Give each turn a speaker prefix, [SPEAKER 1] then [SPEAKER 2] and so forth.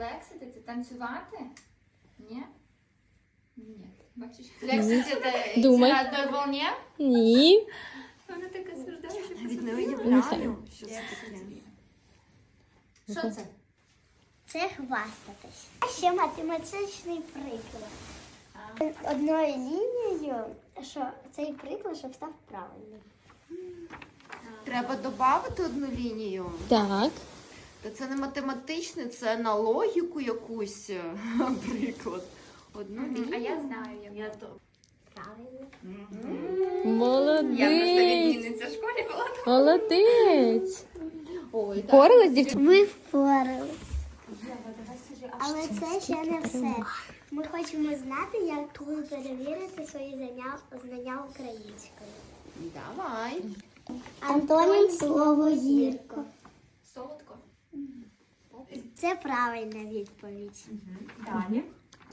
[SPEAKER 1] Лексити – це танцювати? Ні? Ні. Бачиш? Лексити – це
[SPEAKER 2] Думай.
[SPEAKER 1] на одній волні?
[SPEAKER 2] Ні.
[SPEAKER 1] Вона така страждає.
[SPEAKER 3] Навіть не уявляю, що це таке.
[SPEAKER 1] Що це?
[SPEAKER 4] Це хвастатись. А ще математичний приклад. Одною лінією, що цей приклад, щоб став правильним.
[SPEAKER 3] Треба додати одну лінію.
[SPEAKER 2] Так.
[SPEAKER 3] Та це не математичне, це на логіку якусь приклад. Одну лінію.
[SPEAKER 1] А я знаю, як.
[SPEAKER 4] Правильно.
[SPEAKER 2] Молодець.
[SPEAKER 1] Я просто відмінниця в школі була.
[SPEAKER 2] Молодець.
[SPEAKER 3] Ой,
[SPEAKER 2] Впоралась, дівчата?
[SPEAKER 4] Ми впорали. Але це ще не все. Ми хочемо знати, як перевірити свої знання українською.
[SPEAKER 3] Давай.
[SPEAKER 4] Антонім слово гірко.
[SPEAKER 1] Солодко.
[SPEAKER 4] Це правильна відповідь.
[SPEAKER 1] Далі.